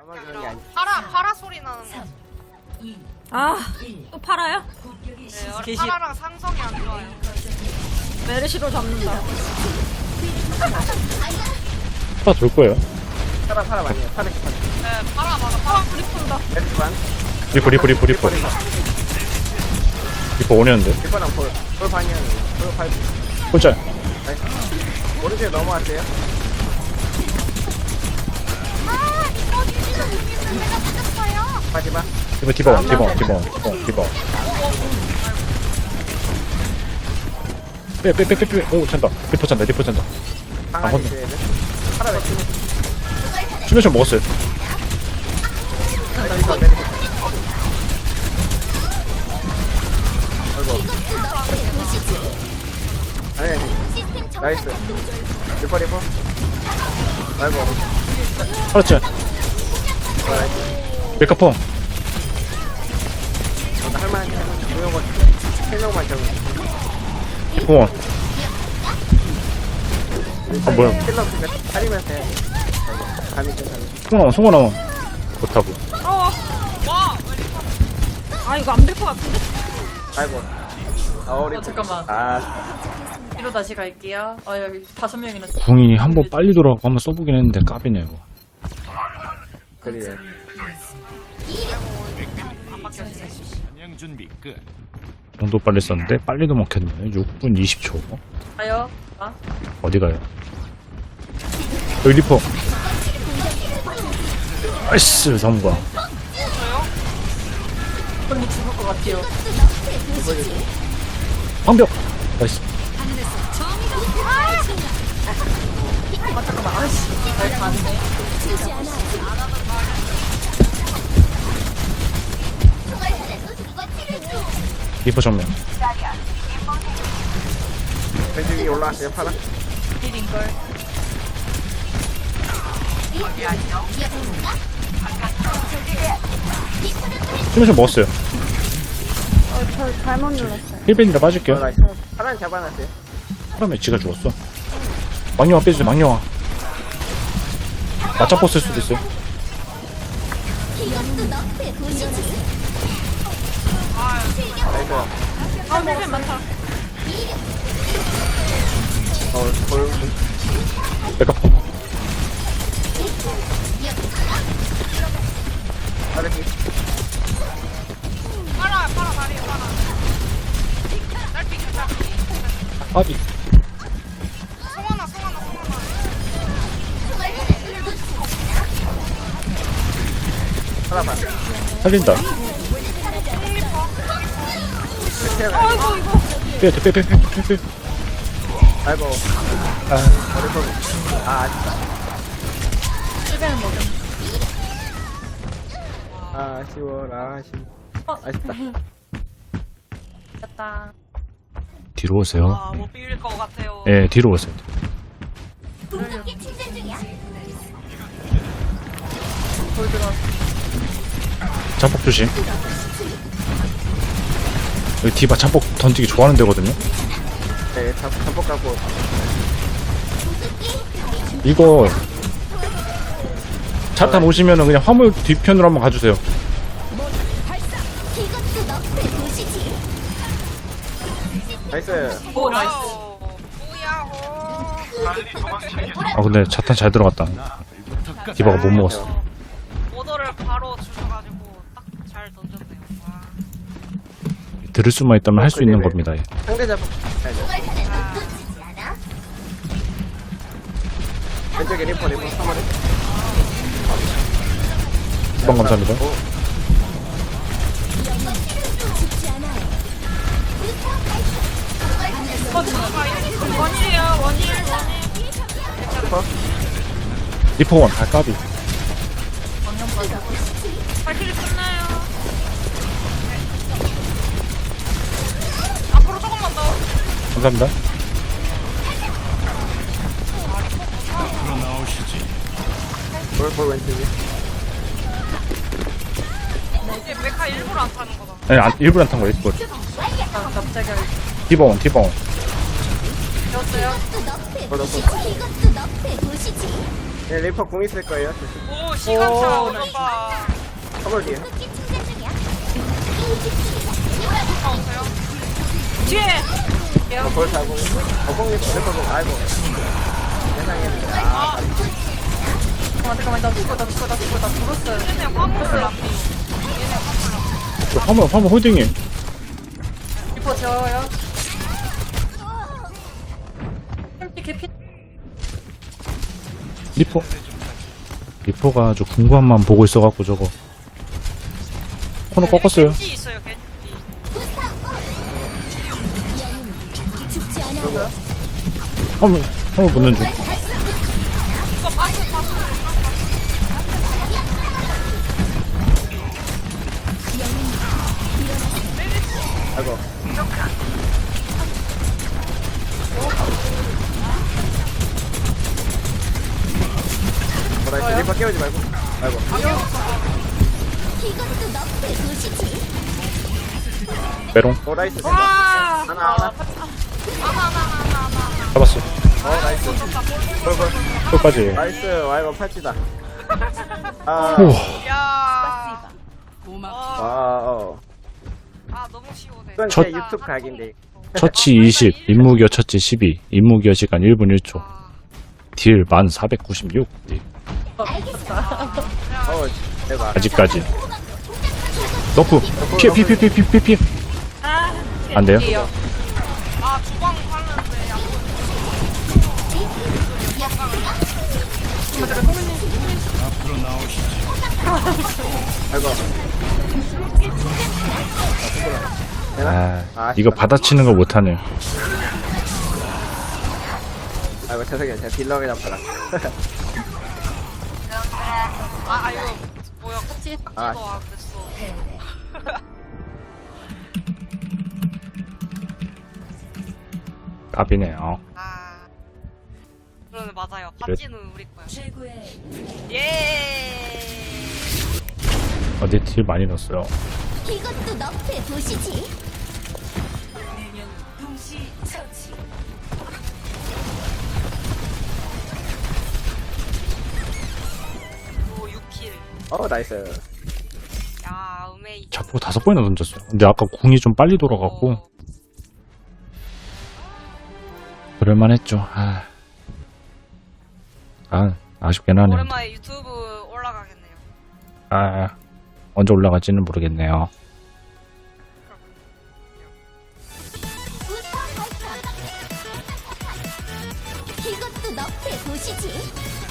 파라 소리 나는 거. 아, 또 팔아요? 네, 파라랑 상성이 안 좋아요. 메르시로 잡는다. 돌 거예요. 파라 많이에요. 파라 네, 파라 맞아. 파라 소리 푼다. 에르반 리퍼 오냐는데. 리퍼랑 볼 반이야. 볼 발. 혼자. 나이스. 오른쪽에 넘어왔어요. 마지막. 이거 디바원. 빼. 오, 찬다. 리퍼 찬다. 방안에 혼자. 있어야 돼. 파라 왜 치는 수면션 먹었어요. 거야? 내리고. 아이고. 아니. 나이스. 리퍼. 아이고. 그렇지. 메카펑. 할만한 조용한 3명만 적응. 리퍼원. 아, 뭐야. 킬러 그니까 살리면서 해. 감이 좀 송어 나와. 못하고. 와! 아, 이거 안 될 것 같은데? 아이고. 우리 잠깐만. 뒤로 다시 갈게요. 여기 5명이나. 궁이 한 번 빨리 돌아가고 한번 써보긴 했는데 까비네 이거. 그래. 준비 끝. 정도 빨리 썼는데 빨리도 먹혔네. 6분 20초. 가요. 어디 가요? 여기 리퍼. 나이스 성공. 언니 죽을 것 같아요. 방벽. 나이스. 잠깐만. 아씨. 잘 가네. 리퍼 정면. 왼쪽이 올라왔어요. 파라. 힐인걸. 수면션 먹었어요. 저 잘못 눌렀어요. 힐벤이라 빠질게요. 나이스. 파라는 잡아놨어요. 사람의 지가 죽었어. 망령아 빼주세요. 망령아. 맞짱 쓸 수도 있어요. 나이스. 아, 힐벤 많다. 볼. 메카펑. 파라기. 파라 다리 파라. 날뛰기. 아비. 송하나. 파라 반. 살린다. 빼. 아이고. 아, 머리통. 아쉽다. 힐벤은 먹음. 아쉬워라. 아쉽다. 됐다. 뒤로 오세요. 못 비빌 것 같아요. 예, 뒤로 오세요. 돌 들어. 잠복 조심. 여기 디바 잠복 던지기 좋아하는 데거든요. 네, 잠복 갖고. 이거 자탄 오시면은 그냥 화물 뒤편으로 한번 가주세요. 나이스. 오, 나이스. 뭐야, 아 근데 자탄 잘 들어갔다. 디바가 못 먹었어. 오더를 바로 주셔가지고 딱 잘 던졌네요. 와. 들을 수만 있다면 할 수 있는 겁니다. 예. 상대 잡복. 왼쪽에 리퍼 3마리. 수방 감사합니다. 원일. 리퍼. 리퍼원. 아 까비. 발길이 끝나요. 앞으로 조금만 더. 감사합니다. 볼 왼쪽에. 이게 메카 일부러 안 타는 거다. 아니 일부러 안 탄 거예요. 이거. 갑자기 디바원. 되었어요. 볼 넣고. 네, 리퍼 공 있을 거예요. 오 시간차 오, 오빠. 커버 뒤에. 오빠 오세요. 뒤에. 볼 사고. 공 리퍼 공. 아이고. 세상에. 아, 잠깐만, 나 죽었어요. 얘네 화물을 안 돼요. 화물 홀딩이. 리퍼 재워요. 개피. 리포가 아주 궁금함만 보고 있어갖고 저거 코너 꺾었어요. 겐지 있어요 겐지. 화물 붙는 중. 이거 빠스. 아이고. 나이스. 리퍼 깨우지 말고. 아이고. 메롱 나이스. 와. 하나. 잡았어. 나이스. 볼. 끝까지. 나이스. 아이고, 팔찌다. 아, 우와. 야. 와, 아 너무 쉬우네. 이건 첫- 제 유튜브 각인데. 처치 20, 임무기어 처치 12, 임무기어 시간 1분 1초. 딜 1496. 대박. 아직까지. 너프. 피해. 아. 안 돼요? 뒤에요. 아 주방 하는데 야. 아이고. 이거 받아치는 거 못하네. 아이고, 죄송해요. 제가 딜러 그냥 받아. 아 이거 뭐야 같이 아. 박지도 안 됐어. 까비네요. 아. 그러네 맞아요. 박지는 우리 거야. 예. 어디 딜 많이 넣었어요. 이것도 너프에 보시지. 오 6킬. 나이스. 야 음메이. 자포 5번이나 던졌어요. 근데 아까 궁이 좀 빨리 돌아갔고 그럴만했죠. 아쉽긴 하네. 오랜만에 유튜브 올라가겠네요. 언제 올라갈지는 모르겠네요. 이것도 너프에 보시지.